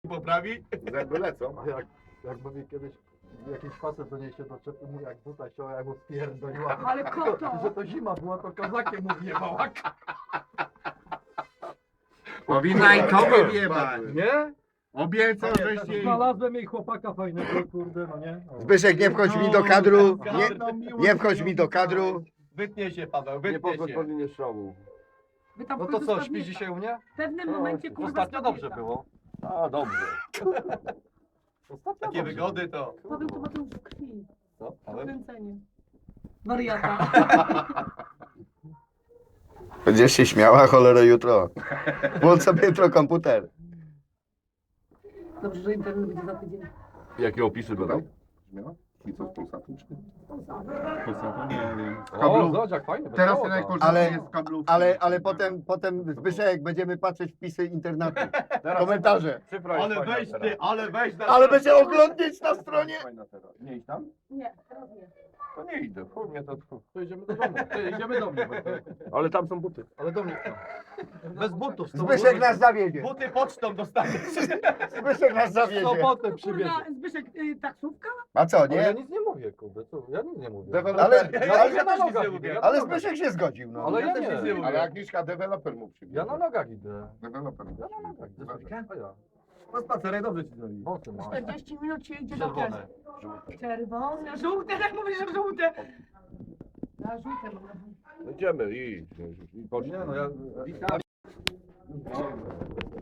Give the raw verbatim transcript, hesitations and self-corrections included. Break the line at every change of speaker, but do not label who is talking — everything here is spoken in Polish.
poprawi?
Zęby lecą.
A jak, jakby mi kiedyś jakiś facet do niej się doczepił, mu jak buta ściąła, jak mu spierdoliła.
Ale koto!
Że to zima była, to kozakiem mu wjebała.
Powinna i tobie wjebać.
Nie?
Obiecał, żeś jej...
Znalazłem jej chłopaka fajnego, kurde, no nie? O.
Zbyszek, nie wchodź mi do kadru. Nie,
Gadną miłość
nie wchodź mi do kadru.
Wytnie się, Paweł,
Nie
wytnie
poszedł
się.
po linię strzału.
Wy tam
No
w
to
końcu
co,
spadniecie.
śpi dzisiaj u mnie?
W pewnym momencie kurwa
Ostatnio dobrze
spadniecie.
było.
A, dobrze.
Ostatnio
Takie
dobrze
wygody to...
Paweł to ma to już w krwi.
było. Co? Ale...
Kręcenie. Wariata.
Będziesz się śmiała, cholero, jutro. Włącz sobie jutro komputer.
Dobrze, że internet będzie za tydzień.
Jakie opisy będą?
I co, Polsatu czy?
Nie wiem.
O, zobacz jak fajnie.
Teraz
wesoło,
najkorzystniejsze
Ale-
jest kablówki.
Ale, ale potem, potem Zbyszek, jak będziemy patrzeć wpisy internatu, komentarze.
Cyfra jest
Ale
fajna
weź
teraz.
ty, ale weź na...
Ale będzie oglądać na stronie.
Fajna teraz. Nie idź tam?
Nie, teraz nie.
To nie idę. Chuj mnie to...
To idziemy do domu. To idziemy do mnie.
Ale tam są buty.
Ale do mnie. Bez butów. z
Zbyszek
sobą-
nas zawiedzie.
Buty pocztą dostaniesz.
Zbyszek nas
W
zawiedzie.
sobotę przybierze.
Kurwa, Zbyszek, y, taksówka?
A co,
Ale ja
nie?
nic nie mówię, kurde. Co? Ja nic nie mówię.
Deweloper-
Ale,
Ja,
ale,
ja na
też nic
nogach
nie
idę.
mówię.
Ja na
ale
nogach.
Zbyszek się zgodził, no.
Ale ja
też nic nie
nie.
mówię.
Ale Agnieszka deweloper mu przybiegł.
Ja na nogach idę.
Deweloper mu
Ja na nogach idę. A ja.
No spacerek dobrze ci zrobi.
Wąsy mam.
czterdzieści minut się idzie do
Czerwone.
pracy. Czerwone. Żółte, tak mówisz, że żółte. Ja żółte mam.
No idziemy, idź. I
Nie no, ja...